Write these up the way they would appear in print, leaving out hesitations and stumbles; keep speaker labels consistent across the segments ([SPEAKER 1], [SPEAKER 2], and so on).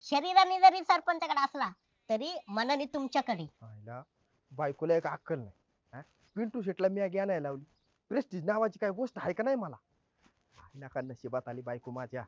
[SPEAKER 1] शरीराने जरी सरपंचाकडे असला तरी मनाने तुमच्याकडे.
[SPEAKER 2] आईला बायकोला एक अक्कल नाही हा? पिंटू शेटला मॅगी आणायला लावली. प्रेस्टिज नावाची काय गोष्ट आहे का नाही मला. आईला का नशिबात आली बायको माझ्या.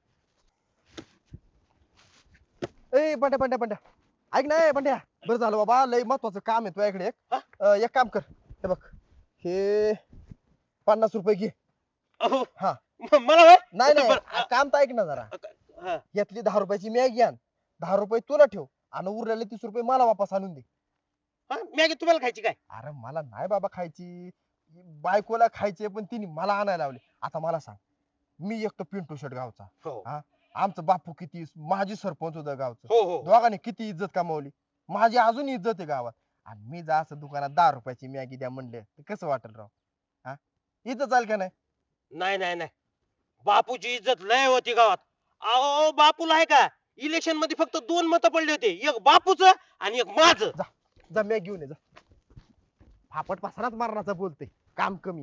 [SPEAKER 2] ए बंड्या बंड्या बंड्या ऐक ना ए बंड्या. बरं झालं बाबा लय महत्वाचं काम आहे तुझ्याकडे एक काम कर. हे बघ हे 50 रुपये घे.
[SPEAKER 3] अहो
[SPEAKER 2] हा
[SPEAKER 3] मला होय?
[SPEAKER 2] नाही नाही
[SPEAKER 3] बरं,
[SPEAKER 2] काम तर ऐक ना जरा.
[SPEAKER 3] हा.
[SPEAKER 2] यातली 10 रुपयाची मॅगी आण. 10 रुपये तुला ठेव आणि उरलेले 30 रुपये मला वापस आणून दे.
[SPEAKER 3] हा, मॅगी तुम्हाला खायची काय?
[SPEAKER 2] अरे मला नाही बाबा खायची. बायकोला खायची पण तिने मला आणायला लावली. आता मला सांग मी एकटो पिंटू शेट गावचा
[SPEAKER 3] हो
[SPEAKER 2] हा आमचं बापू किती माझी सरपंच होतं गावचं.
[SPEAKER 3] हो हो
[SPEAKER 2] दोघांनी किती इज्जत कमावली. माझी अजून इज्जत आहे गावात. आणि मी जा असं दुकानात 10 रुपयाची मॅगी द्या म्हणले तर कसं वाटेल राव. हा इज्जत चाल का नाही.
[SPEAKER 3] नाही नाही नाही बापूची इज्जत लय होती गावात. अहो बापूला आहे का इलेक्शन मध्ये फक्त 2 मतं पडले होते, एक बापूचं आणि एक माझं.
[SPEAKER 2] जा मॅगी घेऊन ये जा. फापट पसरात मारण्याचा बोलते काम कमी.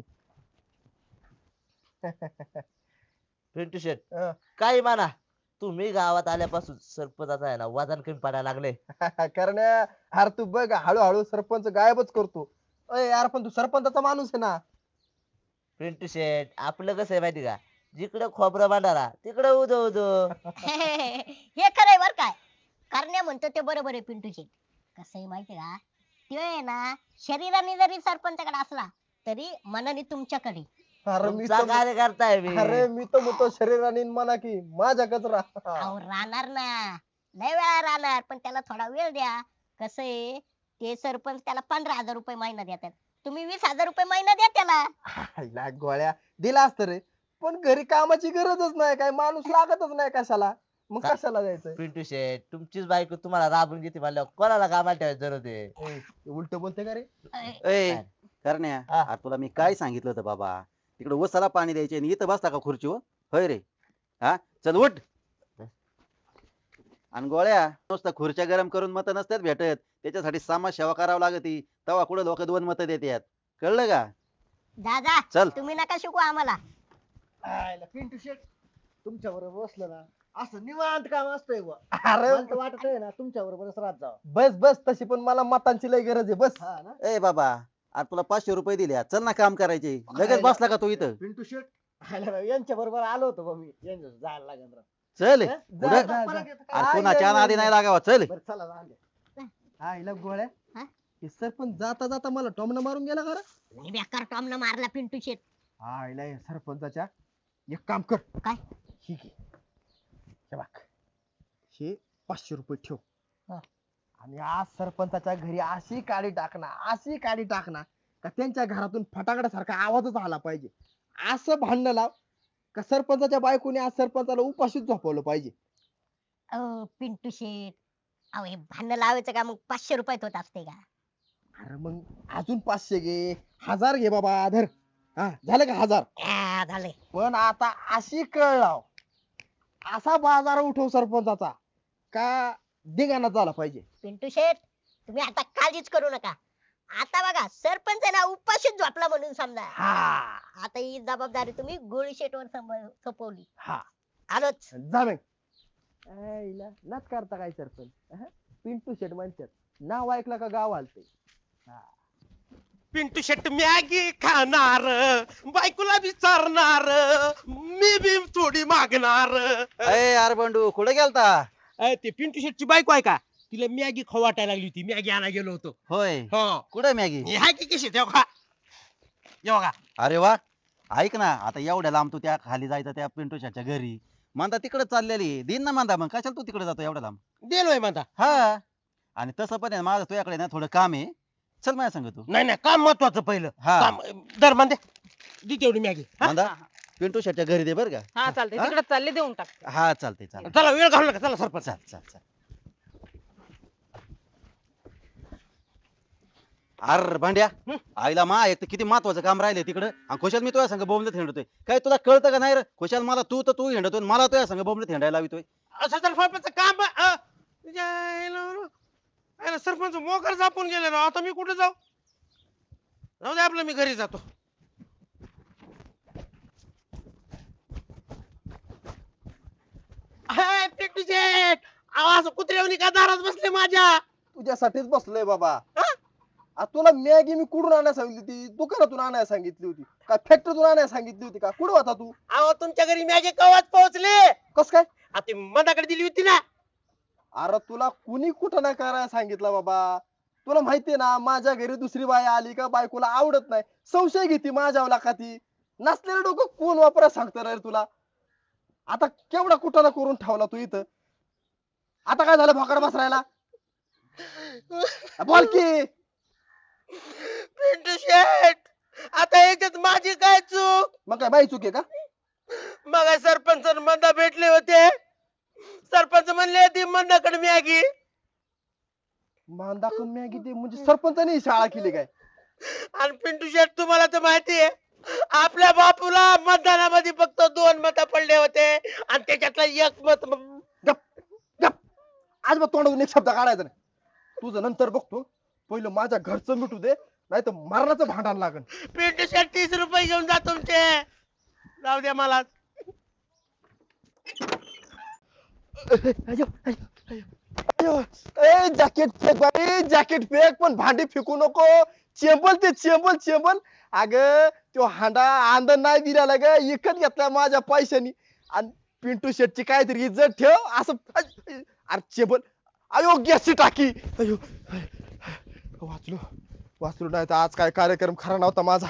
[SPEAKER 4] पिंटू शेट
[SPEAKER 2] अं,
[SPEAKER 4] काही म्हणा तुम्ही गावात आल्यापासून सरपंचाचा आहे ना वजन कमी पडायला लागले.
[SPEAKER 2] कारण यार तू बघ हळूहळू सरपंच गायबच करतो. अय यार पण तू सरपंचाचा माणूस आहे ना.
[SPEAKER 4] पिंटू शेट आपलं कसं आहे माहिती का, जिकडे खोबरं भांडारा तिकडे उदो उदो.
[SPEAKER 1] हे खरंय बर काय. करण्या म्हणतो ते बरोबर आहे पिंटू शेट. कसं आहे माहितीये का ते आहे ना शरीराने जरी सरपंचाकडे असला तरी मनाने तुमच्याकडे.
[SPEAKER 2] अरे मी
[SPEAKER 4] तुमचा
[SPEAKER 2] तर
[SPEAKER 4] कार्यकर्ता आहे मी.
[SPEAKER 2] अरे मी तर म्हणतो शरीराने म्हणा की माझ्या कचरा.
[SPEAKER 1] अहो राहणार ना लय वेळा राहणार पण त्याला थोडा वेळ द्या. कसं आहे ते सरपंच त्याला 15,000 रुपये महिना देतात. तुम्ही 20,000 रुपये महिना द्या त्याला.
[SPEAKER 2] गोळ्या दिला असत रे पण घरी कामाची गरजच नाही काय माणूस लागतच नाही कशाला. मग
[SPEAKER 4] का-
[SPEAKER 2] कशाला जायचंय.
[SPEAKER 4] पिंटू शेट तुमचीच बायको तुम्हाला राबून घेते म्हणल्यावर कोणाला कामाला ठेवायची जरूरत आहे.
[SPEAKER 2] उलट बोलते का रे.
[SPEAKER 5] ए करण्या
[SPEAKER 2] हा.
[SPEAKER 5] अरे तुला मी काय सांगितलं होतं बाबा, तिकडे उसाला पाणी द्यायचे आणि इथं बसता का खुर्चीवर. होय रे हा चल उठ. आणि गोळ्या नुसतं खुर्च्या गरम करून मत नसतात भेटत, त्याच्यासाठी समाज सेवा करावं लागती. तेव्हा कुठे लोक 2 मतं देतात, कळलं का.
[SPEAKER 1] जा जा
[SPEAKER 5] चल
[SPEAKER 1] तुम्ही नका शिकू आम्हाला.
[SPEAKER 6] पिंटू शेट तुमच्या बरोबर बसलं ना असं निवांत काम असतंय बुवा.
[SPEAKER 2] अरे
[SPEAKER 6] मला तर वाटत आहे ना तुमच्या बरोबरच राहत जावं.
[SPEAKER 2] बस बस तशी पण मला मतांची लय गरज आहे बस.
[SPEAKER 6] हा ना
[SPEAKER 5] ए बाबा अरे तुला 500 रुपये दिले, चल ना काम करायचे. लगेच बसला का तू इथं.
[SPEAKER 6] पिंटू शेट यांच्या बरोबर आलो होतो बा मी यांच्या जायला लागेल राव.
[SPEAKER 5] चल
[SPEAKER 6] हा?
[SPEAKER 2] जा,
[SPEAKER 5] पुढं.
[SPEAKER 2] जा,
[SPEAKER 6] मला
[SPEAKER 2] जा.
[SPEAKER 6] घेतं
[SPEAKER 5] अरे
[SPEAKER 6] काय?
[SPEAKER 5] कुणाच्या नादी नाही लागावा चल.
[SPEAKER 6] बरं चला जाऊन द्या.
[SPEAKER 2] हा हिला गोळ्या
[SPEAKER 1] हा?
[SPEAKER 2] हे सरपंच जाता जाता मला टॉमनं मारून गेला का रे?
[SPEAKER 1] लय बेकार टॉमनं मारला पिंटू शेट.
[SPEAKER 2] हा हिला हे सरपंचाच्या एक काम कर.
[SPEAKER 1] काय?
[SPEAKER 2] ही घे हे बघ हे 500 रुपये ठेव.
[SPEAKER 1] हा.
[SPEAKER 2] आणि आज सरपंचाच्या घरी अशी काडी टाकणार का त्यांच्या घरातून फटाकड्यासारखा आवाजच आला पाहिजे. असं भांडण लाव का सरपंचाच्या बायकोने आज सरपंचाला उपाशीच झोपवलं पाहिजे.
[SPEAKER 1] अहो पिंटू शेट अहो हे भांडण लावायचं का मग 500 रुपयात होत असते का.
[SPEAKER 2] अरे मग अजून 500 घे 1000 घे बाबा धर. हा झालं का 1000.
[SPEAKER 1] झाले.
[SPEAKER 2] पण आता अशी कळ लाव असा बाजार उठव सरपंचाचा का धिंगाणा झाला पाहिजे.
[SPEAKER 1] पिंटू शेट तुम्ही आता काळजीच करू नका. आता बघा सरपंच आहे ना उपाशीच झोपला म्हणून समजा.
[SPEAKER 2] हा
[SPEAKER 1] आता ही जबाबदारी तुम्ही गोळी शेटवर सोपवली.
[SPEAKER 2] हा
[SPEAKER 1] आलोच.
[SPEAKER 2] जा मग. आईला नाच करता काय सरपंच अहं? पिंटू शेट म्हणतात नाव ऐकलं का गाव आलते.
[SPEAKER 3] पिंटू शेट मॅगी खाणार, बायकोला विचारणार, मी बी थोडी मागणार.
[SPEAKER 5] ए अरे बंडू कुठे गेलता.
[SPEAKER 3] ते पिंटू शेटची बायको आहे का तिला मॅगी खाऊ वाटायला लागली होती, मॅगी आणायला गेलो होतो.
[SPEAKER 5] होय
[SPEAKER 3] हो
[SPEAKER 5] कुठे मॅगी.
[SPEAKER 3] हे हाय की कशी तेव्हा खा जेव्हा का.
[SPEAKER 5] अरे वा ऐक ना आता एवढ्या लांब तू त्या खाली जायचं त्या पिंटू शेटच्या घरी, मांदा तिकडे चाललेली दिन ना मांदा, मग कशाला तू तिकडे जातो एवढ्या लांब.
[SPEAKER 3] देलोय म्हणता.
[SPEAKER 5] हा आणि तसं पण आहे ना, माझं तुझ्याकडे ना थोडं काम आहे, चल माझ्या सांग तू.
[SPEAKER 3] नाही नाही काम महत्वाचं पहिलं.
[SPEAKER 5] हा.
[SPEAKER 3] काम दर म्हणते दे तेवढी मॅगी.
[SPEAKER 5] मांदा पिंटू शेटच्या घरी दे बर का.
[SPEAKER 7] हा चालतंय
[SPEAKER 5] हा?
[SPEAKER 7] तिकडे चालले देऊन टाक.
[SPEAKER 5] हा चालते चालते
[SPEAKER 3] चला वेळ घालू नका चला सरपंच.
[SPEAKER 5] चल चल चल. अर भांड्या आईला मा एक तर किती महत्वाचं काम राहिले तिकडं आणि खुशाल मी तुझ्या संग बोंबलत हिंडतोय. काय तुला कळतं का नाही रे खुशाल. मला तू तर तू हिंडतोय आणि मला तुझ्या संग बोंबलत हिंडायला लावितोय.
[SPEAKER 3] असं तर सरपंच काम सरपंच मोकर जापून गेले राव. आता मी कुठे जाऊ. जाऊ दे आपलं मी घरी जातो. पिंटू शेट अहो असं कुत्र्यावनी का दारात बसले माझ्या?
[SPEAKER 2] तुझ्यासाठीच बसलोय बाबा. आ तुला मॅगी मी कुठून आणायला सांगितली होती? दुकानातून आणायला सांगितली होती का फॅक्टरीतून आणायला सांगितली होती का? कुठं होता तू?
[SPEAKER 3] अहो तुमच्या घरी मॅगी कवाच पोहोचले.
[SPEAKER 2] कस काय?
[SPEAKER 3] ती मनाकडे दिली होती ना.
[SPEAKER 2] अरे तुला कुणी कुठं नाही करायला सांगितलं बाबा. तुला माहितीये ना माझ्या घरी दुसरी बाई आली का बायकोला आवडत नाही, संशय घेते माझ्यावर का ती. नसलेलं डोकं कोण वापरा सांगतं रे तुला. आता केवढा कुठं करून ठेवला तू इथं. आता काय झालं भोकाड बसरायला? बोल की.
[SPEAKER 3] पिंटू शेट, आता याच्यात माझी काय चूक?
[SPEAKER 2] मग काय बाई चुके का?
[SPEAKER 3] मग सरपंच मंदा भेटले होते. सरपंच म्हणले ती मंदाकडे मॅगी.
[SPEAKER 2] मांदाकून मॅगी ते म्हणजे सरपंचाने ही शाळा केली काय?
[SPEAKER 3] आणि पिंटू शेट तुम्हाला तर माहितीये आपल्या बापूला मतदानामध्ये फक्त 2 मत पडले होते आणि त्याच्यातलं एक मत
[SPEAKER 2] गप गप. आज मग तोंडातून एक शब्द काढायचा नाही. तुझं नंतर बघतो. पहिलं माझ्या घरचं मिटू दे, नाही तर मरणाचं भांडण लागन.
[SPEAKER 3] पिंटू शेट 30 रुपये घेऊन जा तुमचे. जाऊ द्या मला.
[SPEAKER 2] जॅकेट फेक बाई, जॅकेट फेक, पण भांडी फेकू नको. चेंबल ते चेंबल चेंबल. अग तो हांडा आंदण नाही दिला ग, इकत घेतला माझ्या पैशानी. आणि पिंटू शेटची काहीतरी इज्जत ठेव असं. अरे चेंबल, अयोग्य टाकी. अयो वाचलो वाचलो, नाही तर आज काय कार्यक्रम खरा नव्हता माझा.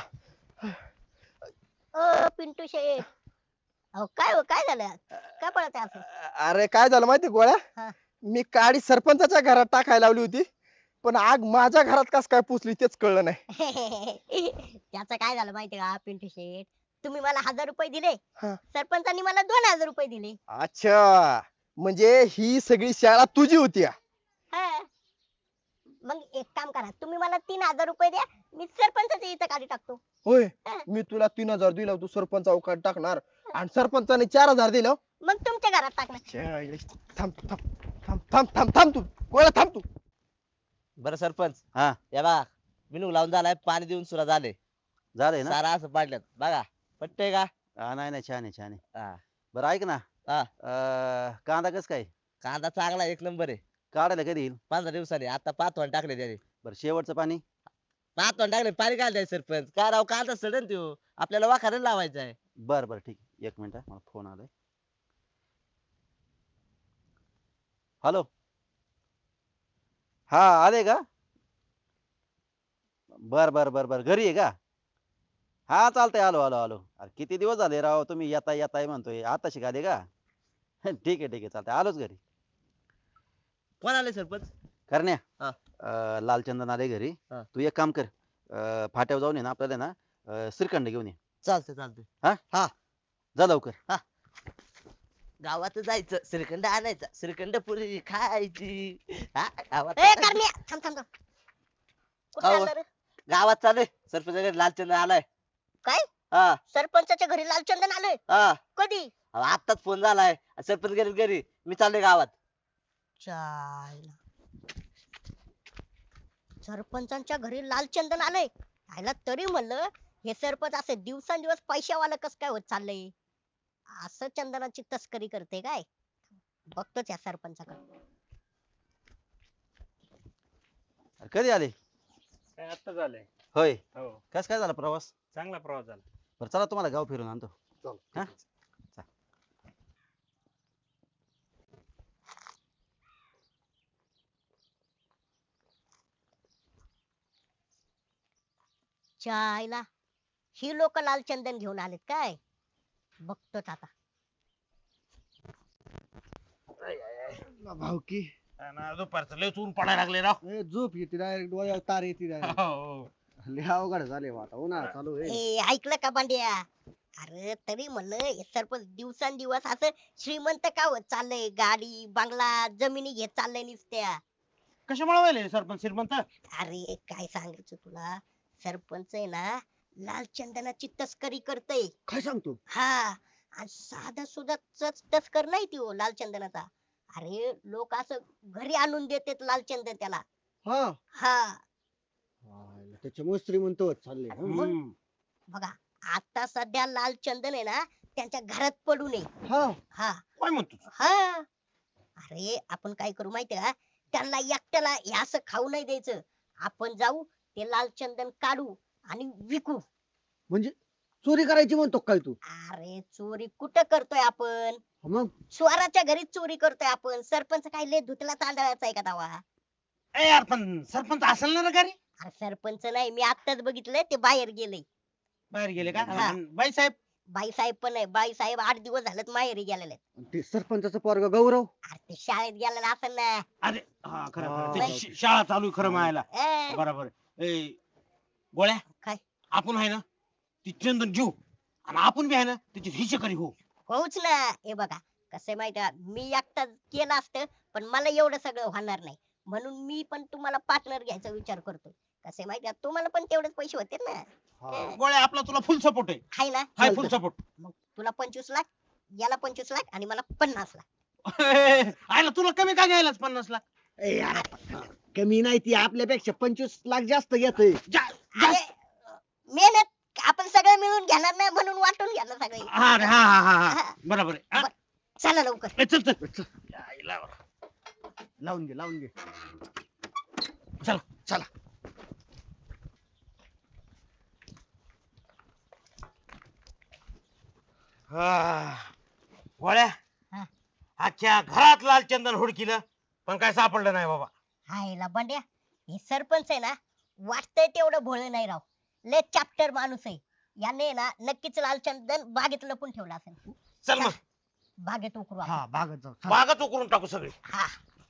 [SPEAKER 1] पिंटू शेठ, अहो काय हो, काय झालं? काय पळत आहे असं?
[SPEAKER 2] अरे काय झालं माहिती गोळ्या,
[SPEAKER 1] हा.
[SPEAKER 2] मी काडी सरपंचाच्या घरात टाकायला लावली होती, पण आग माझ्या घरात कस काय पुसली तेच कळलं नाही.
[SPEAKER 1] त्याचं काय झालं माहितीये का पिंटू शेठ? तुम्ही मला 1000 रुपये दिले,
[SPEAKER 2] हा.
[SPEAKER 1] सरपंचांनी मला 2000 रुपये दिले.
[SPEAKER 2] अच्छा, म्हणजे ही सगळी शाळा तुझी होती.
[SPEAKER 1] हा. मग एक काम करा, तुम्ही मला 3000 रुपये द्या, मी सरपंचाच्या इथं काढी टाकतो.
[SPEAKER 2] होय,
[SPEAKER 1] हा.
[SPEAKER 2] मी तुला 3000 दिला, तू सरपंच अवकाश टाकणार आणि सरपंचाने 4000 दिलं.
[SPEAKER 1] मग तुमच्या घरात टाकणार.
[SPEAKER 2] थांब थांब थांब थांब थांब थांब तू गोळ्या थांब तू.
[SPEAKER 4] बरं सरपंच,
[SPEAKER 5] हा
[SPEAKER 4] या बघा मिनू लावून झालाय, पाणी देऊन सुद्धा झाले.
[SPEAKER 5] झालंय ना.
[SPEAKER 4] सारा असं पाडल्यात बघा, पटतंय का?
[SPEAKER 5] नाही नाही, छान आहे छान आहे.
[SPEAKER 4] हा.
[SPEAKER 5] बरं ऐक ना,
[SPEAKER 4] हा.
[SPEAKER 5] कांदा कस काय
[SPEAKER 4] कांदा चांगला 1 नंबर आहे.
[SPEAKER 5] काढायला कधी येईल?
[SPEAKER 4] 15 दिवसांनी. आता 5 वाण टाकले त्याने.
[SPEAKER 5] बरं शेवटचं पाणी?
[SPEAKER 4] 5 वाण टाकले, पाणी काय द्यायचं सरपंच? काय राव, कांदा सडन त्यो, आपल्याला वाखारण लावायचा आहे.
[SPEAKER 5] बरं बरं ठीक आहे, 1 मिनिट मला फोन आलाय. हॅलो, हा आले का? बर बर बर बर, घरी आहे का? हा चालतंय, आलो आलो आलो. अरे किती दिवस झाले राव, तुम्ही येताय येताय म्हणतोय, आता शिकाले का? ठीक आहे ठीक आहे, चालतंय, आलोच घरी.
[SPEAKER 4] कोण आले सरपंच?
[SPEAKER 5] करण्या,
[SPEAKER 4] हा.
[SPEAKER 5] लालचंदन आले घरी.
[SPEAKER 4] हा.
[SPEAKER 5] तू एक काम कर, फाट्यावर जाऊन ये ना, आपल्याला ना श्रीखंड घेऊन ये.
[SPEAKER 4] चालतंय चालतंय.
[SPEAKER 5] जा लवकर.
[SPEAKER 4] गावात जायचं, श्रीखंड आणायचा, श्रीखंड पुरी खायची. हा, गावात
[SPEAKER 1] ए करण्या, थांब थांब थांब. कुठं
[SPEAKER 4] अहो.
[SPEAKER 1] चालला रे?
[SPEAKER 4] गावात चालू सरपंच लालचंद आलाय.
[SPEAKER 1] काय?
[SPEAKER 4] हा
[SPEAKER 1] सरपंचाच्या घरी लालचंदन आलोय?
[SPEAKER 4] हा.
[SPEAKER 1] कधी?
[SPEAKER 4] अहो, आत्ताच फोन झालाय, सरपंच गेले घरी, मी चाललोय गावात.
[SPEAKER 1] चायला. सरपंचांच्या घरी लालचंदन आलंय. आयला तरी म्हणलं हे सरपंच असे दिवसांदिवस पैशावाला कस काय होत चाललंय? असं चंदनाची तस्करी करते काय? बघतोच या सरपंचाकडे.
[SPEAKER 5] कधी आले?
[SPEAKER 7] काय आता झालंय.
[SPEAKER 5] होय,
[SPEAKER 7] हो,
[SPEAKER 5] कस काय झाला प्रवास?
[SPEAKER 7] चांगला प्रवास झाला.
[SPEAKER 5] बरं चला, तुम्हाला गाव फिरून आणतो. हा?
[SPEAKER 1] चायला ही लोक लालचंदन घेऊन आलेत काय? बघतोच आता.
[SPEAKER 2] भावकी
[SPEAKER 3] दुपारचं लय ऊन पडायला लागले राव.
[SPEAKER 6] झोप येते डायरेक्ट डोळ्यावर तार येते डायरेक्ट.
[SPEAKER 3] हो.
[SPEAKER 6] लय अवघड झाले बा आता, उन्हाळा चालू आहे.
[SPEAKER 1] ए ऐकलं का पांड्या? अरे तरी म्हणलं हे सरपंच दिवसांदिवस असं श्रीमंत का होत चाललंय? गाडी बंगला जमिनी घेत चाललंय नुसत्या.
[SPEAKER 3] कशामुळे व्हायले सरपंच श्रीमंत?
[SPEAKER 1] अरे काय सांगायचं तुला, सरपंच आहे ना लालचंदनाची तस्करी करतय.
[SPEAKER 6] काय सांगतो?
[SPEAKER 1] हा, आणि साधा सुद्धा तस्कर नाही ती हो लालचंदनाचा. अरे लोक असं घरी आणून देतात लालचंदन त्याला.
[SPEAKER 6] हा,
[SPEAKER 1] हा
[SPEAKER 6] त्याच्यामुळे श्रीमंत होत चालले.
[SPEAKER 3] हम्म.
[SPEAKER 1] बघा, आता सध्या लालचंदन आहे ना त्यांच्या घरात पडू नये.
[SPEAKER 6] हा,
[SPEAKER 1] हा
[SPEAKER 3] काय म्हणतो?
[SPEAKER 1] हा अरे आपण काय करू माहितीये का, त्यांना एकट्याला हे असं खाऊ नाही द्यायचं. आपण जाऊ ते लाल चंदन काढू आणि विकू.
[SPEAKER 6] म्हणजे चोरी करायची म्हणतो काय तू?
[SPEAKER 1] अरे चोरी कुठं करतोय आपण?
[SPEAKER 6] मग
[SPEAKER 1] स्वराच्या घरी चोरी करतोय आपण. सरपंच काय लय धुतला तांदळाचा आहे का दावा?
[SPEAKER 3] ए यार पण सरपंच असेल ना घरी?
[SPEAKER 1] अरे सरपंच नाही, मी आत्ताच बघितलंय ते बाहेर गेले.
[SPEAKER 3] बाहेर गेले का?
[SPEAKER 1] हा.
[SPEAKER 3] आणि बाई साहेब?
[SPEAKER 1] बाई साहेब पण आहे. बाई साहेब 8 दिवस झालेत माहेरी गेलेले.
[SPEAKER 6] ते सरपंचाचं पोरग गौरव.
[SPEAKER 1] अरे ते शाळेत गेलेला असेल ना.
[SPEAKER 3] अरे हा खरं
[SPEAKER 6] हा.
[SPEAKER 3] खरं. त्याची शाळा चालू आहे खरं म्हणायला.
[SPEAKER 1] ए,
[SPEAKER 3] बरोबर. ए गोळ्या,
[SPEAKER 1] काय?
[SPEAKER 3] आपण आहे ना ती चंदन घेऊ आणि आपण बी आहे ना त्याची हिशेकरी हो.
[SPEAKER 1] होच ना. हे बघा कसं माहिती का, मी एकटाच केलं असतं पण मला एवढं सगळं होणार नाही, म्हणून मी पण तुम्हाला पार्टनर घ्यायचा विचार करतोय. कसं माहिती का, तुम्हाला पण तेवढेच पैसे होते ना.
[SPEAKER 3] गोळ्या आपला तुला फुल सपोर्ट आहे.
[SPEAKER 1] हाय ना.
[SPEAKER 3] हाय फुल सपोर्ट.
[SPEAKER 1] मग तुला 25 लाख, याला 25 लाख आणि मला 50 लाख.
[SPEAKER 3] आयला तुला कमी का घ्यायलाच 50 लाख?
[SPEAKER 6] ए यार, कमी नाही ती आपल्यापेक्षा 25 लाख जास्त घेतोय.
[SPEAKER 1] अरे, मेहनत आपण सगळं मिळून घेणार नाही म्हणून वाटून घेणार सगळे.
[SPEAKER 3] हा रे, हा हा हा हा बरोबर आहे. हा?
[SPEAKER 1] चला लवकर.
[SPEAKER 3] ए, चल चल आईला.
[SPEAKER 6] लावून घे.
[SPEAKER 3] चल
[SPEAKER 6] चला.
[SPEAKER 3] गोळ्या,
[SPEAKER 1] हा.
[SPEAKER 3] अख्ख्या घरात लाल चंदन हुडकिलं पण काय सापडलं नाही बाबा.
[SPEAKER 1] हायला बंड्या, हे सरपंच आहे ना, वाटतंय तेवढं भोळे नाही राव. लय चॅप्टर माणूस आहे. याने ना नक्कीच लालचंदन बागेत लपून ठेवला असेल.
[SPEAKER 3] चल मग
[SPEAKER 1] बागेत उकरू आपण.
[SPEAKER 6] हा बागत जाऊ. चला.
[SPEAKER 3] बागच उकरून टाकू सगळी.
[SPEAKER 1] हा.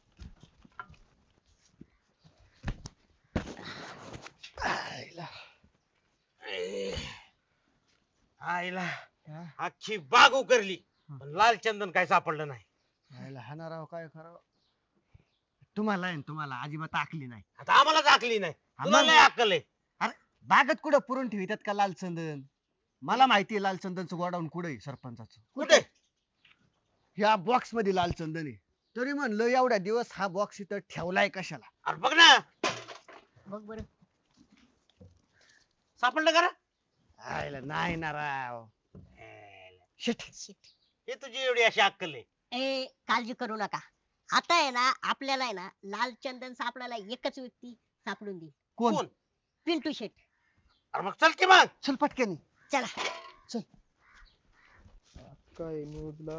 [SPEAKER 3] आईला
[SPEAKER 6] हा?
[SPEAKER 3] अख्खी बाग उकरली पण लाल चंदन काय सापडलं नाही.
[SPEAKER 6] यायला हाना राव काय खरं. तुम्हाला आहे ना, तुम्हाला अजिबात आखली नाही.
[SPEAKER 3] आता आम्हाला दाखली नाही. तुला
[SPEAKER 6] आम्हाला-
[SPEAKER 3] लय अक्कल आहे.
[SPEAKER 6] बागत कुठं पुरून ठेवितात का लाल चंदन? मला माहिती आहे लाल चंदनचं गोडाऊन कुठे आहे सरपंचाचं.
[SPEAKER 3] कुठे?
[SPEAKER 6] ह्या बॉक्स मध्ये लाल चंदन आहे. तरी म्हणलं एवढ्या दिवस हा बॉक्स इथं ठेवलाय कशाला?
[SPEAKER 3] अरे बघ ना,
[SPEAKER 1] बघ बरं.
[SPEAKER 3] सापडलं का रे?
[SPEAKER 6] आयला नाही ना राव. शिट.
[SPEAKER 1] Shit.
[SPEAKER 3] हे तुझी एवढी अशी अक्कल आहे.
[SPEAKER 1] ए काळजी करू नका. आता आहे ना आपल्याला आहे ना लाल चंदन सापडायला एकच व्यक्ती सापडून दे.
[SPEAKER 6] कोण?
[SPEAKER 3] कोण?
[SPEAKER 1] पिंटू शेट.
[SPEAKER 3] अरे मग चल की मग.
[SPEAKER 6] चल पटकन.
[SPEAKER 1] चला.
[SPEAKER 2] काय न्यूजला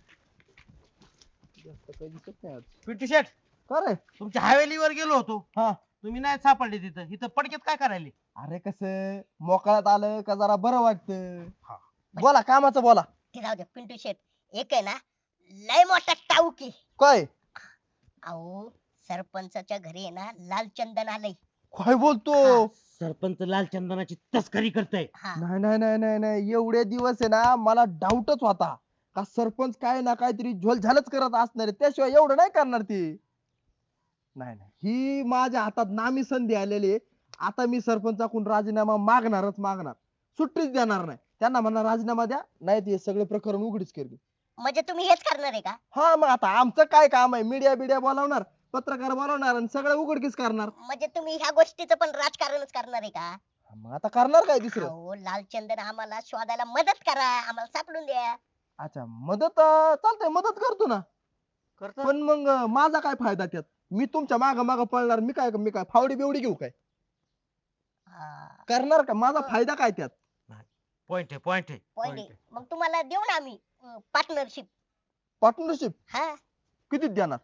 [SPEAKER 2] जास्त काही दिसत नाही आज.
[SPEAKER 3] पिंटू शेट,
[SPEAKER 2] का रे?
[SPEAKER 3] तुमच्या हवेलीवर गेलो होतो.
[SPEAKER 2] हा.
[SPEAKER 3] तुम्ही नाही सापडले तिथं. इथं पडकेत काय करायले?
[SPEAKER 2] अरे कसं मोकळ्यात आलं का जरा बरं वाटतं.
[SPEAKER 3] हा.
[SPEAKER 2] बोला कामाचं बोला.
[SPEAKER 1] ते जाऊ दे. पिंटू शेट एक आहे ना लय मोठा टाऊकी.
[SPEAKER 2] काय
[SPEAKER 1] अहो सरपंचाच्या घरी आहे ना लाल चंदन आलंय.
[SPEAKER 2] काय बोलतो?
[SPEAKER 3] सरपंच लाल चंदनाची तस्करी करताय.
[SPEAKER 1] हा.
[SPEAKER 2] नाही नाही नाही नाही नाही एवढे दिवस आहे ना मला डाऊटच होता का सरपंच काय ना काहीतरी झोलझालच करत असणार आहे. त्याशिवाय एवढं नाही करणार ती. नाही नाही ही माझ्या हातात नामी संधी आलेली आहे. आता मी सरपंचाकडून राजीनामा मागणार. सुट्टीच देणार नाही. त्यांना म्हणणार राजीनामा द्या, नाही ते सगळं प्रकरण उघडीच करते.
[SPEAKER 1] म्हणजे तुम्ही हेच करणार आहे का?
[SPEAKER 2] हा मग आता आमचं काय काम आहे? मीडिया बिडिया बोलावणार, पत्रकार बोलावणार आणि सगळं उघडकीच करणार.
[SPEAKER 1] म्हणजे तुम्ही ह्या गोष्टीचं पण राजकारणच करणार आहे का?
[SPEAKER 2] मग आता करणार काय दुसरं?
[SPEAKER 1] अहो लाल चंदन आम्हाला शोधायला मदत करा, आम्हाला सापडून द्या.
[SPEAKER 2] अच्छा मदत चालतंय, मदत करतो ना. पण मग माझा काय फायदा त्यात? मी तुमच्या माग पळणार, मी काय फावडी बिवडी घेऊ काय?
[SPEAKER 1] हा.
[SPEAKER 2] करणार का? माझा फायदा काय त्यात?
[SPEAKER 3] पॉइंट आहे.
[SPEAKER 1] Point आहे. मग तुम्हाला देऊ ना आम्ही पार्टनरशिप.
[SPEAKER 2] पार्टनरशिप
[SPEAKER 1] हा.
[SPEAKER 2] किती देणार?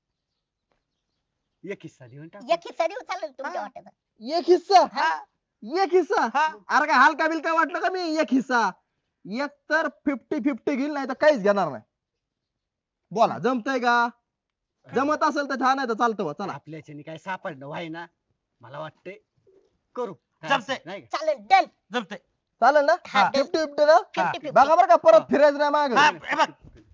[SPEAKER 6] एक हिस्सा देऊन टाक.
[SPEAKER 1] एक हिस्सा देऊ चालेल तुमच्या
[SPEAKER 3] हा.
[SPEAKER 1] वाट्याचा.
[SPEAKER 2] एक हिस्सा?
[SPEAKER 1] हा.
[SPEAKER 2] एक हिस्सा?
[SPEAKER 3] हा.
[SPEAKER 2] अरे काय हलका बिलका वाटलं का मी? एक हिस्सा एक तर 50-50 घेईल, नाही तर काहीच घेणार नाही. बोला जमतंय का? जमत असेल तर छान आहे, तर चालतं बा, चला.
[SPEAKER 6] आपल्याच्यानी काय सापडणं व्हाय ना. मला वाटतंय करू.
[SPEAKER 3] चालतंय.
[SPEAKER 6] नाही का?
[SPEAKER 1] चालेल डन.
[SPEAKER 3] जमतंय.
[SPEAKER 2] चालेल ना?
[SPEAKER 1] हा, done.
[SPEAKER 2] 50-50 ना?
[SPEAKER 1] 50-50.
[SPEAKER 2] बघा बरं का परत फिरायचं नाही माग.
[SPEAKER 3] हा, हे बघ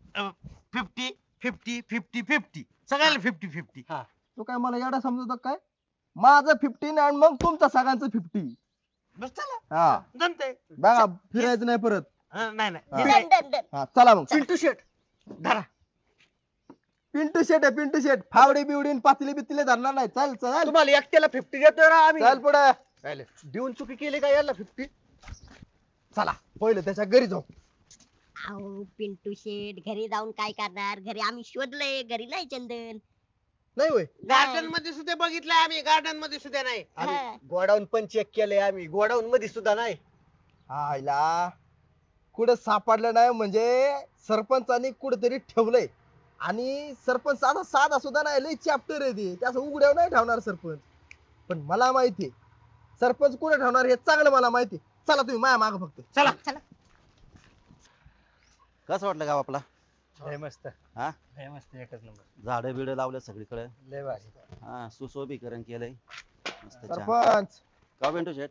[SPEAKER 3] 50-50 सगळ्याला 50-50.
[SPEAKER 2] तू काय मला एवढा समजतो काय? माझं 15 आणि मग तुमचं सगळ्यांचं 50.
[SPEAKER 3] बस चला.
[SPEAKER 2] हा
[SPEAKER 3] जमतंय.
[SPEAKER 2] बघा फिरायचं नाही परत.
[SPEAKER 3] नाही
[SPEAKER 2] हा.
[SPEAKER 1] Done done done.
[SPEAKER 2] हा चला मग.
[SPEAKER 6] पिंटू शेट.
[SPEAKER 3] धरा.
[SPEAKER 2] पिंटू शेट आहे, पिंटू शेट. फावडी बिवडी आणि पातळी बितले धरणार नाही. चल चल
[SPEAKER 6] तुम्हाला एकट्याला 50 देतोय ना आम्ही.
[SPEAKER 2] चल पुढे.
[SPEAKER 6] देऊन चुकी केली का याला 50?
[SPEAKER 2] चला पहिलं त्याच्या घरी जाऊ.
[SPEAKER 1] अहो पिंटू शेट घरी जाऊन काय करणार, घरी आम्ही शोधलंय, घरी नाही चंदन.
[SPEAKER 2] नाही होय
[SPEAKER 3] गार्डन मध्ये सुद्धा बघितलंय आम्ही, गार्डन मध्ये सुद्धा नाही.
[SPEAKER 6] अरे
[SPEAKER 1] हा.
[SPEAKER 6] गोडाऊन पण चेक केलंय आम्ही, गोडाऊन मध्ये सुद्धा नाही.
[SPEAKER 2] आईला कुठं सापडलं नाही म्हणजे सरपंचानी कुठेतरी ठेवलंय. आणि सरपंच साधा साधा सुद्धा नाही, लय चॅप्टर आहे ते, त्याचं उघड्यावर नाही ठेवणार सरपंच. पण मला माहिती सरपंच कुठे ठेवणार हे चांगलं मला माहिती. चला तुम्ही माया माग फक्त.
[SPEAKER 3] चला.
[SPEAKER 1] चला.
[SPEAKER 5] कसं वाटलं गाव आपला?
[SPEAKER 7] लय मस्त.
[SPEAKER 5] हा?
[SPEAKER 7] लय मस्त, एकच नंबर.
[SPEAKER 5] झाडं बिडं लावल्या सगळीकडे.
[SPEAKER 7] लय भारी.
[SPEAKER 5] हा, सुशोभीकरण केलंय मस्त छान.
[SPEAKER 2] सरपंच
[SPEAKER 5] का पिंटू शेट?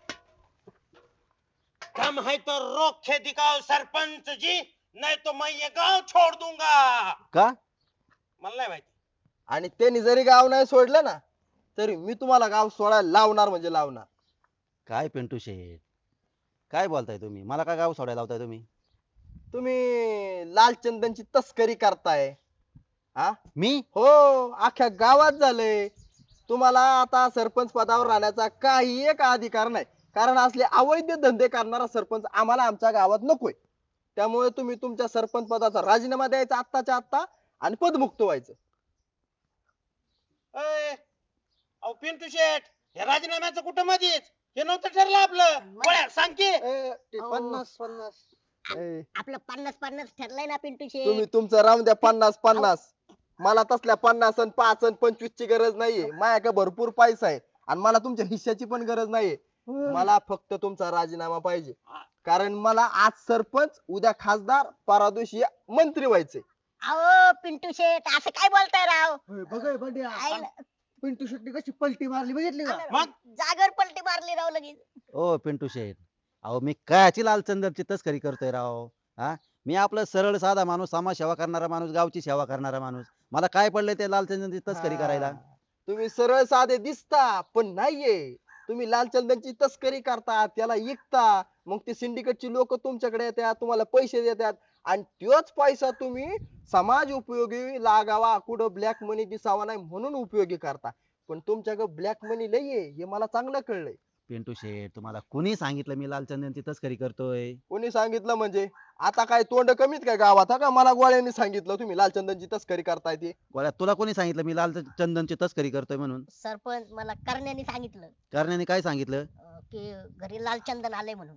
[SPEAKER 3] दम है तो रोक के दिखाओ सरपंच जी, नहीं तो मैं ये गांव छोड़ दूंगा.
[SPEAKER 5] का?
[SPEAKER 3] मला नाही माहिती.
[SPEAKER 2] आणि त्यांनी जरी गाव नाही सोडलं ना तरी मी तुम्हाला गाव सोडायला लावणार म्हणजे लावणार.
[SPEAKER 5] काय पिंटू शेट, काय बोलताय तुम्ही? मला का गाव सोडायला लावताय तुम्ही?
[SPEAKER 2] तुम्ही लाल चंदनची तस्करी करताय. हा
[SPEAKER 5] मी?
[SPEAKER 2] हो, अख्ख्या गावात झालंय. तुम्हाला आता सरपंच पदावर राहण्याचा काही एक अधिकार नाही, कारण असले अवैध धंदे करणारा सरपंच आम्हाला आमच्या गावात नकोय. त्यामुळे तुम्ही तुमच्या सरपंच पदाचा राजीनामा द्यायचा आत्ताच्या आत्ता आणि पदमुक्त व्हायचं.
[SPEAKER 3] अय, अहो पिंटू शेट, या राजीनाम्याचं कुठं मध्येच हे नव्हतं ठरलं आपलं. गोळ्या सांग की.
[SPEAKER 6] ते
[SPEAKER 1] अहो.
[SPEAKER 6] 50-50.
[SPEAKER 2] ए,
[SPEAKER 1] आपलं 50-50 ठरलंय ना पिंटू
[SPEAKER 2] तुम्ही
[SPEAKER 1] शेट.
[SPEAKER 2] तुमचं राहून द्या 50-50. मला तसल्या 50 आणि 5 आणि 25 ची गरज नाहीये. माझ्याकडे भरपूर पैसा आहे आणि मला तुमच्या हिश्श्याची पण गरज नाहीये. मला फक्त तुमचा राजीनामा पाहिजे, कारण मला आज सरपंच, उद्या खासदार, परवा दिवशी मंत्री व्हायचे.
[SPEAKER 1] अहो पिंटू शेट असं काय बोलताय राव?
[SPEAKER 6] होय, बघ हे बंड्या.
[SPEAKER 1] आईला-
[SPEAKER 6] पिंटू शेट्टी कशी पलटी मारली बघितली का?
[SPEAKER 3] मग?
[SPEAKER 1] जागेवर पलटी मारली राव लगेच.
[SPEAKER 5] ओ पिंटू शेट, अहो मी कायची लालचंदरची तस्करी करतोय राव? हा, मी आपलं सरळ साधा माणूस, समाज सेवा करणारा माणूस, गावची सेवा करणारा माणूस. मला काय पडलंय ते लालचंदरची तस्करी करायला?
[SPEAKER 2] तुम्ही सरळ साधे दिसता पण नाहीये. तुम्ही लालचंदनची तस्करी करता, त्याला विकता, मग ते सिंडिकेटची लोक तुमच्याकडे येतात, तुम्हाला पैसे देतात आणि तोच पैसा तुम्ही समाज उपयोगी लागावा, कुठं ब्लॅक मनी दिसावा नाही म्हणून उपयोगी करता. पण तुमच्याकडे ब्लॅक मनी लई आहे हे मला चांगलं कळलंय.
[SPEAKER 5] पिंटू शेट, तुम्हाला कुणी सांगितलं मी लालचंदनची तस्करी करतोय?
[SPEAKER 2] कोणी सांगितलं म्हणजे? आता काय तोंड कमीत काय गावात? हा का मला गोळ्यांनी सांगितलं तुम्ही लालचंदनची तस्करी करताय ते?
[SPEAKER 5] गोळ्या, तुला कोणी सांगितलं मी लालचंदनची तस्करी करतोय म्हणून?
[SPEAKER 1] सरपंच मला करण्याने सांगितलं
[SPEAKER 5] करण्याने काय सांगितलं?
[SPEAKER 1] की घरी लालचंदन आले म्हणून.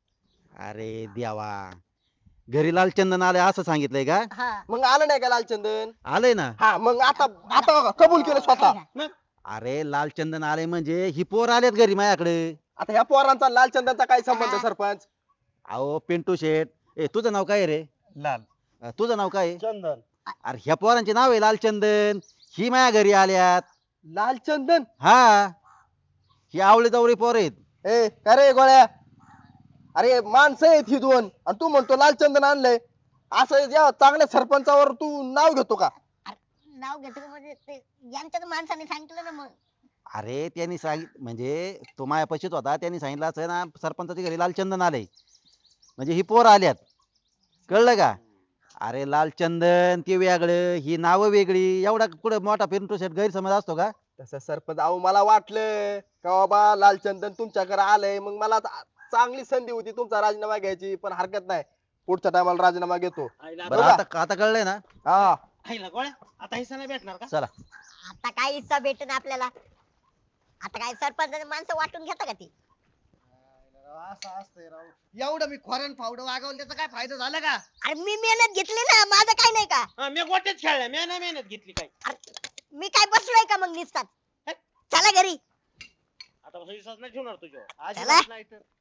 [SPEAKER 5] अरे देवा, घरी लालचंदन आले असं सांगितलंय का?
[SPEAKER 1] हा.
[SPEAKER 2] मग आलं नाही का लालचंदन?
[SPEAKER 5] आलंय ना.
[SPEAKER 2] हा, मग आता आता बघा, कबूल केलं स्वतः.
[SPEAKER 5] अरे लालचंदन आले म्हणजे ही पोर आलेत घरी माझ्याकडे.
[SPEAKER 2] आता ह्या पोरांचा लालचंदनचा काय संबंध सरपंच?
[SPEAKER 5] अहो पिंटू शेट, ए तुझं नाव काय रे?
[SPEAKER 7] लाल.
[SPEAKER 5] तुझं नाव काय?
[SPEAKER 6] चंदन.
[SPEAKER 5] अरे ह्या पोरांचे नाव आहे लालचंदन. ही माझ्या घरी आल्यात.
[SPEAKER 2] लालचंदन?
[SPEAKER 5] हा, ही आवळी जवळी पोर आहेत.
[SPEAKER 2] ए का रे गोळ्या, अरे माणसं आहेत ही दोन आणि तू म्हणतो लालचंदन आणलंय. असं जेव्हा चांगल्या सरपंचावर तू नाव घेतो का?
[SPEAKER 1] नाव घेतो म्हणजे ते यांच्याच माणसाने सांगितलं ना मग.
[SPEAKER 5] अरे त्यांनी म्हणजे तो मायापाशीच होता, त्यांनी सांगितलं असं ना सरपंचाच्या घरी लालचंदन आले म्हणजे ही पोर आल्यात. कळलं का? अरे लालचंदन ते वेगळं, ही नावं वेगळी. एवढा कुठे मोठा पिंटू शेट गैरसमज असतो का?
[SPEAKER 2] तसं सरपंच, अहो मला वाटलं का बाबा लालचंदन तुमच्याकडे आलंय, मग मला चांगली संधी होती तुमचा राजीनामा घ्यायची. पण हरकत नाही, पुढच्या टायमाला राजीनामा घेतो.
[SPEAKER 3] आईला
[SPEAKER 5] बरं आता कळलंय ना?
[SPEAKER 2] हा,
[SPEAKER 3] आईला गोळ्या, आता हिस्सा नाही भेटणार का?
[SPEAKER 5] चला.
[SPEAKER 1] आता काय हिस्सा भेटेन आपल्याला? आता काय सरपंचाची माणसं वाटून घेता का ती?
[SPEAKER 6] असं असतंय राव. एवढं मी खोऱ्यान फावडं वागवलं त्याचा काय फायदा झाला का?
[SPEAKER 1] अरे मी मेहनत घेतली ना, माझं काय नाही का?
[SPEAKER 3] हा, मी गोट्यात खेळलाय, मी नाही मेहनत घेतली काही.
[SPEAKER 1] मी काय बसलोय का मग निसतात? चला घरी.
[SPEAKER 3] आता विश्वास नाही ठेवणार तुझ्यावर.
[SPEAKER 6] अजिबात नाही तर.